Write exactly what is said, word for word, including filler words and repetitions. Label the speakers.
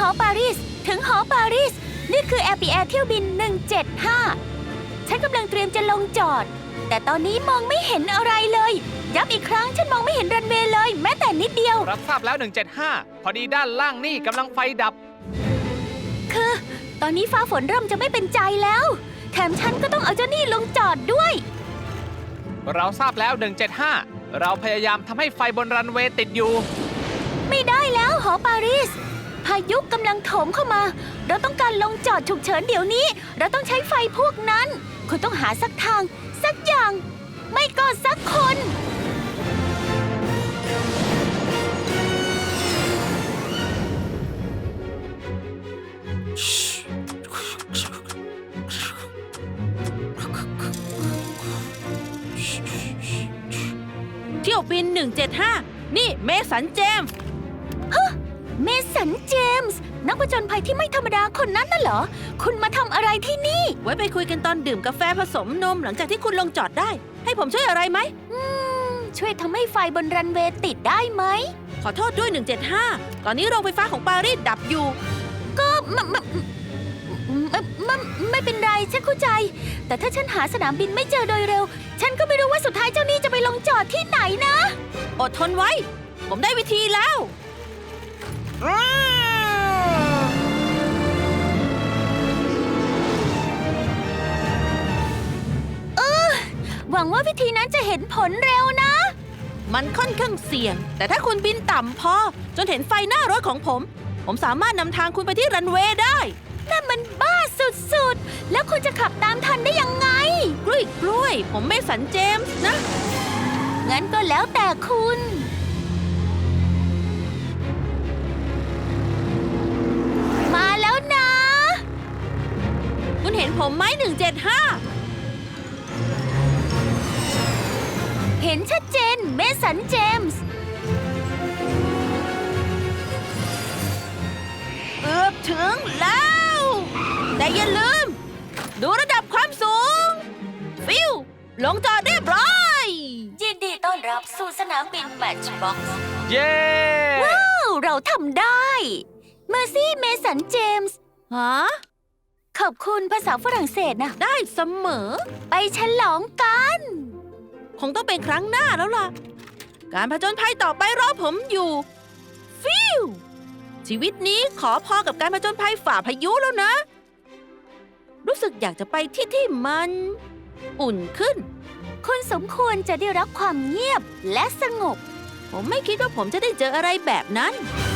Speaker 1: อปารีสถึงหอปารีสนี่คือแอร์ปีแอร์เที่ยวบินหนึ่งเจ็ดห้าฉันกำลังเตรียมจะลงจอดแต่ตอนนี้มองไม่เห็นอะไรเลยย้ำอีกครั้งฉันมองไม่เห็นรันเวย์เลยแม้แต่นิดเดียว
Speaker 2: รับทราบแล้วหนึ่งเจ็ดห้าพอดีด้านล่างนี่กำลังไฟดับ
Speaker 1: คือตอนนี้ฟ้าฝนเริ่มจะไม่เป็นใจแล้วแถมฉันก็ต้องเอาเจ้านี่ลงจอดด้วย
Speaker 2: เราทราบแล้วหนึ่งเจ็ดห้าเราพยายามทำให้ไฟบนรันเวย์ติดอยู่
Speaker 1: ไม่ได้แล้วหอปารีสพายุกำลังโถมเข้ามาเราต้องการลงจอดฉุกเฉินเดี๋ยวนี้เราต้องใช้ไฟพวกนั้นคุณต้องหาสักทางสักอย่างไม่ก็สักคน
Speaker 3: เที่ยวบินหนึ่งเจ็ดห้านี่เมสันเจมส์
Speaker 1: ฮะเมสันเจมส์นักผจญภัยที่ไม่ธรรมดาคนนั้นน่ะเหรอคุณมาทำอะไรที่นี่
Speaker 3: ไว้ไปคุยกันตอนดื่มกาแฟผสมนมหลังจากที่คุณลงจอดได้ให้ผมช่วยอะไรไหม
Speaker 1: อืมช่วยทำให้ไฟบนรันเวย์ติดได้ไหม
Speaker 3: ขอโทษด้วยหนึ่งเจ็ดห้าตอนนี้โรงไฟฟ้าของปารีสดับอยู่
Speaker 1: ก็ไม่ไม่ไม่ไม่เป็นไรฉันเข้าใจแต่ถ้าฉันหาสนามบินไม่เจอโดยเร็วฉันก็ไม่รู้ว่าสุดท้ายเจ้านี่จะไปลงจอดที่ไหนนะ
Speaker 3: อดทนไว้ผมได้วิธีแล้ว
Speaker 1: เออหวังว่าวิธีนั้นจะเห็นผลเร็วนะ
Speaker 3: มันค่อนข้างเสี่ยงแต่ถ้าคุณบินต่ำพอจนเห็นไฟหน้ารถของผมผมสามารถนำทางคุณไปที่รันเวย์ได้
Speaker 1: นั่นมันบ้าสุดๆแล้วคุณจะขับตามทันได้ยังไง
Speaker 3: กล้วยกล้วยผมไม่สันเจมส์นะ
Speaker 1: งั้นก็แล้วแต่คุณมาแล้วนะ
Speaker 3: คุณเห็นผมไหมหนึ่งเจ็ดห้า
Speaker 1: เห็นชัดเจนเมสันเจมส์
Speaker 3: เกือบถึงแล้วแต่อย่าลืมดูระดับความสูงฟิวลงจอดเรียบร้อย
Speaker 1: ยินดีต้อนรับสู่สนามบินแมทช์บ็อกซ์
Speaker 2: เย้
Speaker 1: ว้าวเราทำได้เมอร์ซี่เมสันเจมส์
Speaker 3: ฮะ
Speaker 1: ขอบคุณภาษาฝรั่งเศสนะ
Speaker 3: ได้เสมอ
Speaker 1: ไปฉลองกัน
Speaker 3: คงต้องเป็นครั้งหน้าแล้วล่ะการผจญภัยต่อไปรอผมอยู่ฟิวชีวิตนี้ขอพอกับการผจญภัยฝ่าพายุแล้วนะรู้สึกอยากจะไปที่ที่มันอุ่นขึ้น
Speaker 1: คุณสมควรจะได้รับความเงียบและสงบ
Speaker 3: ผมไม่คิดว่าผมจะได้เจออะไรแบบนั้น